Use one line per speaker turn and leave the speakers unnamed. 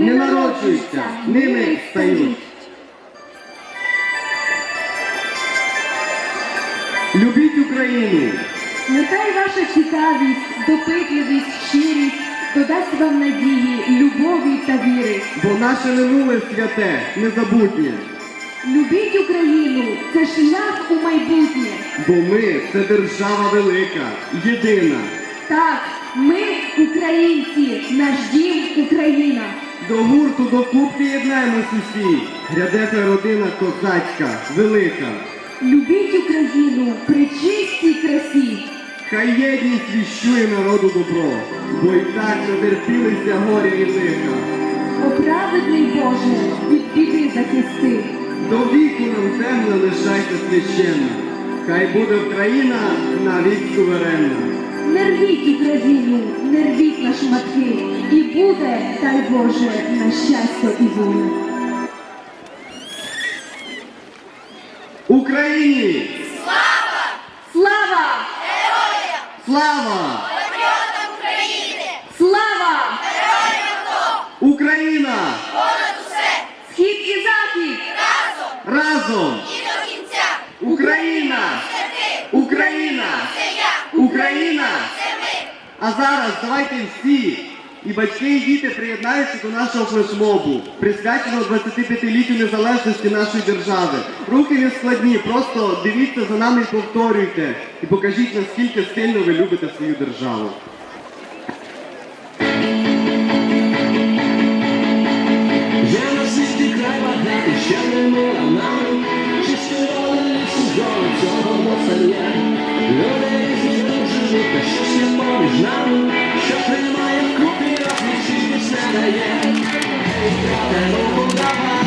не народжуються, ними стають. Любіть Україну!
Нехай ваша цікавість, допитливість, щирість додасть вам надії, любові та віри.
Бо наше минуле святе, незабутнє.
Любіть Україну – це шлях у майбутнє.
Бо ми – це держава велика, єдина.
Так, ми – українці, наш дім – Україна.
До гурту, до кубки єднаємось усі. Гряде та родина козацька, велика.
Любіть Україну при чистій красі.
Хай єдність віщує народу добро, бо і так натерпілися горі і лиха.
О праведний Боже, від біди захисти.
До віку нам земля лишайся священна. Хай буде Україна навіть суверенна.
Не рвіть Україну, не рвіть на шматки, і буде, дай Боже, на щастя і волю.
Україні!
Слава!
Слава!
Героям!
Слава!
Патріотам України!
Слава!
Героям АТО!
Україна!
Понад усе!
Схід і захід!
Разом!
Разом!
І до кінця!
Україна!
Це ти!
Україна!
Це я!
Україна!
Це ми!
А зараз давайте всі, і батьки, і діти приєднаються до нашого флешмобу, присвяченого 25-літтю незалежності нашої держави. Рухи не складні, просто дивіться за нами і повторюйте. І покажіть, наскільки сильно ви любите свою державу.
Я на світі край багатий, ще не мила нам, чисті воли лісу зони цього моцаря. Люди різні тут живуть, та щось є поміж нами, що тримає вкупі, розлічитись не дає. Ей, брате, ну давай.